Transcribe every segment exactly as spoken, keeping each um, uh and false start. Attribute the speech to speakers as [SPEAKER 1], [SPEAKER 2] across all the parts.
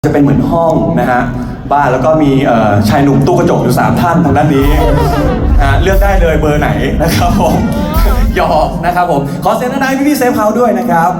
[SPEAKER 1] จะเป็นเหมือนห้องนะฮะบ้านแล้วก็มีชายหนุ่มตู้กระจกอยู่สามท่านทางด้านนี้นะเลือกได้เลยเบอร์ไหนนะครับผมหยอกนะครับผมขอเสียงด้านในพี่พี่เซฟเฮาส์ด้วยนะครับ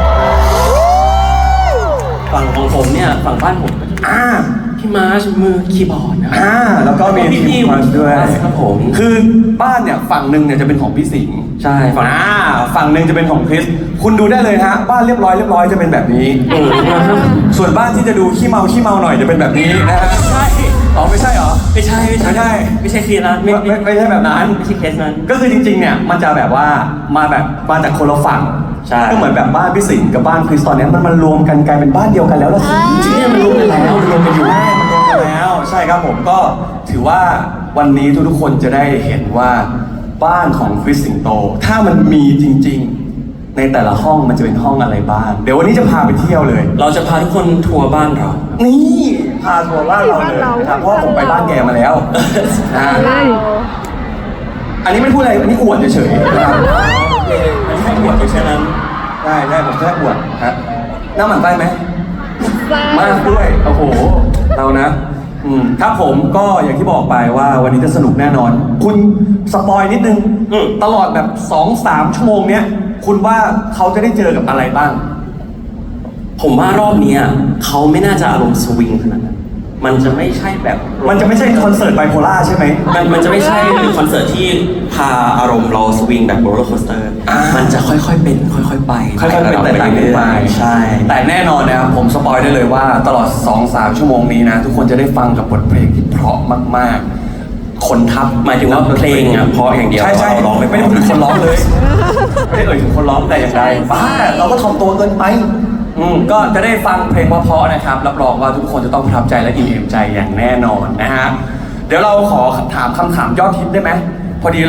[SPEAKER 2] ฝั่งของผมเนี่ยฝั่งบ้านผมอ่าพี่มาร์ชมือคีย์บอร์ดนะ
[SPEAKER 1] อ่าแล้วก็มีพี่มาร์ชด้วย
[SPEAKER 2] ครับผม
[SPEAKER 1] คือบ้านเนี่ยฝั่งหนึ่งเนี่ยจะเป็นของพี่สิงห์
[SPEAKER 2] ใช่ฝั่ง
[SPEAKER 1] อ่าฝั่งหนึ่งจะเป็นของคริสคุณดูได้เลยฮะบ้านเรียบร้อยเรียบร้อยจะเป็นแบบนี้ส่วนบ้านที่จะดูขี้เมาขี้เมาหน่อยจะเป็นแบบนี้นะฮะ
[SPEAKER 2] ใช่
[SPEAKER 1] อ๋อไม่ใช่เหรอ
[SPEAKER 2] ไม่ใช่ไม่ใช่ไม่ใช่เคสนั้น
[SPEAKER 1] ไม่ไม่ใช่แบบนั้น
[SPEAKER 2] ไม่ใช่เคสนั้น
[SPEAKER 1] ก็คือจริงๆเนี่ยมันจะแบบว่ามาแบบมาจากคนละฝั่งก็เหมือนแบบบ้านพี่สิงห์กับบ้านคริสตอนนี้มันมันรวมกันกลายเป็นบ้านเดียวกันแล้วล่ะ
[SPEAKER 2] จริงๆมันรวมกันแล้วรวมกันอยู่
[SPEAKER 1] ใช่มันรวมกันแล้วใช่ครับผมก็ถือว่าวันนี้ทุกๆคนจะได้เห็นว่าบ้านของคริสสิงโตถ้ามันมีจริงๆในแต่ละห้องมันจะเป็นห้องอะไรบ้างเดี๋ยววันนี้จะพาไปเที่ยวเลย
[SPEAKER 2] เราจะพาทุกคนทัวร์บ้านเรา
[SPEAKER 1] นี่พาทัวร์บ้านเราเลยนะครับเพราะผมไปบ้านแกมาแล้วนะอันนี้ไม่พูดอะไรอันนี้อวดเฉยๆนะครับ
[SPEAKER 2] ไม่ใช่อวดแค่นั้น
[SPEAKER 1] ได้ได้ผมแค่อวดฮะน้ำหมันไส้ไหมมากด้วยโอ้โหเรานะอืมครับผมก็อย่างที่บอกไปว่าวันนี้จะสนุกแน่นอนคุณสปอยนิดนึงตลอดแบบ สองสาม ชั่วโมงเนี้ยคุณว่าเขาจะได้เจอกับอะไรบ้าง
[SPEAKER 2] ผมว่ารอบนี้เขาไม่น่าจะอารมณ์สวิงขนาดนั้นมันจะไม่ใช่แบบ
[SPEAKER 1] มันจะไม่ใช่คอนเสิร์ตไบโพล่าใช่ไหม
[SPEAKER 2] มันมันจะไม่ใช่คอนเสิร์ตที่พาอารมณ์เราสวิงแบบโรลเลอร์โคสเตอร์มันจะค่อยๆเป็นค่อยๆไป
[SPEAKER 1] ค่อยๆเป็นแต่ต่างกันไป
[SPEAKER 2] ใช่
[SPEAKER 1] แต่แน่นอนนะครับผมสปอยได้เลยว่าตลอด สองสาม ชั่วโมงนี้นะทุกคนจะได้ฟังกับบทเพลงที่เพราะมากๆคนทับ
[SPEAKER 2] หมายถึงว่าเพลงอ่ะเพราะอย่างเดียว
[SPEAKER 1] ใช่ใช่
[SPEAKER 2] ร้อง
[SPEAKER 1] ไม่ได้พูดถึงคนร้องเลยไม่ได้เอ่ยถึงคนร้องแต่อย่างใดบ้าเราก็ถ่อมตัวเกินไปอืมก็จะได้ฟังเพลงเพราะๆนะครับรับรองว่าทุกคนจะต้องประทับใจและอิ่มเอมใจอย่างแน่นอนนะฮะเดี๋ยวเราขอถามคำถามยอดฮิตได้ไหมพอดี